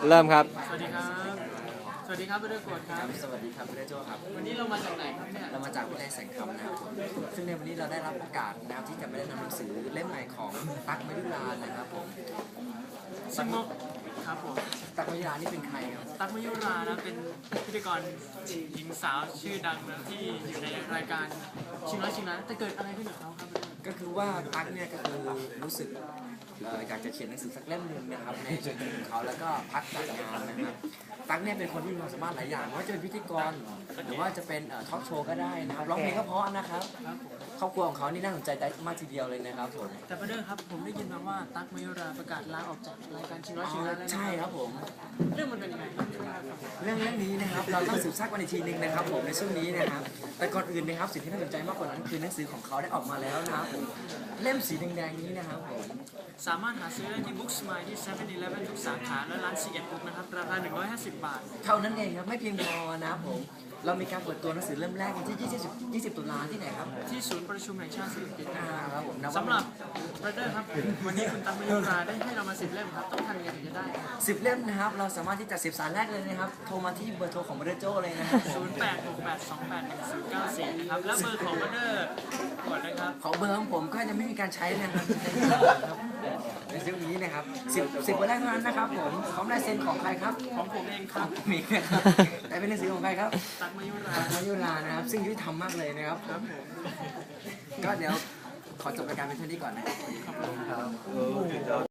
เริ่มครับสวัสดีครับ สวัสดีครับเพื่อนโกรธครับสวัสดีครับพี่โจครับวันนี้เรามาจากไหนครับเนี่ยเรามาจากวิทยาลัยแสงคำนะครับซึ่งในวันนี้เราได้รับโอกาสนะครับที่จะมาได้นำหนังสือเล่มใหม่ของตั๊กมยุรานะครับผมซึ่งมครับผมตั๊กมยุรานี่เป็นใครครับตั๊กมยุรานะเป็นพิธีกรหญิงสาวชื่อดังนะที่อยู่ในรายการชิงร้อยชิงล้านแต่เกิดอะไรขึ้นกับเขาครับก็คือว่าตั๊กเนี่ยก็คือรู้สึกอยากจะเขียนหนังสือสักเล่มหนึ่งนะครับในชีวิตของเขาแล้วก็พักจากงานนะครับตั๊กเนี่ยเป็นคนที่มีความสามารถหลายอย่างไม่ว่าจะเป็นพิธีกรหรือว่าจะเป็นทอล์กโชว์ก็ได้นะครับร้องเพลงก็เพราะนะครับครับผมครอบครัวของเขานี่น่าสนใจได้มากทีเดียวเลยนะครับผมแต่ประเด็นครับผมได้ยินมาว่าตั๊กมยุราประกาศลาออกจากรายการชิงร้อยชิงล้านแล้วนะใช่ครับผมเรื่องมันเป็นยังไงครับเรื่องนี้นะครับเราต้องสืบทราบกันอีกทีหนึงนะครับผมในช่วงนี้นะครับแต่ก่อนอื่นนะครับสิ่งที่น่าสนใจมากกว่านั้นคือหนังสือของเขาได้ออกมาแล้วนะครับผมเล่มสีแดงๆนี้นะครับผมสามารถหาซื้อได้ที่ Booksmart ที่ 7-Eleven ทุกสาขาและร้าน C1 Book นะครับราคา150 บาทเท่านั้นเองครับไม่เพียงพอนะครับผมเรามีการเปิดตัวหนังสือเล่มแรกวันที่20ตุลาที่ไหนครับที่ศูนย์ประชุมแห่งชาติสิริกิติ์นะครับครับผมนะสำหรับไรเดอร์ครับ วันนี้คุณตั๊กมยุราได้ให้เรามา10 เล่มครับ ต้องทำยังไงถึงจะได้ 10 เล่มนะครับเราสามารถที่จะ10 สายแรกเลยนะครับโทรมาที่เบอร์โทรของเบอร์โจเลยนะครับ 0868281094 นะครับ และเบอร์ของไรเดอร์กดนะครับของเบอร์ของผมก็จะไม่มีการใช้นะครับในช่วงนี้นะครับ10วันแรกเท่านั้นนะครับผมพร้อมลายเซ็นของใครครับของผมเองครับมีนะครับแต่เป็นหนังสือของใครครับตั๊กมยุรามายุรานะครับซึ่งยุติธรรมมากเลยนะครับครับผมก็เดี๋ยวขอจบรายการเป็นเท่านี้ก่อนนะครับ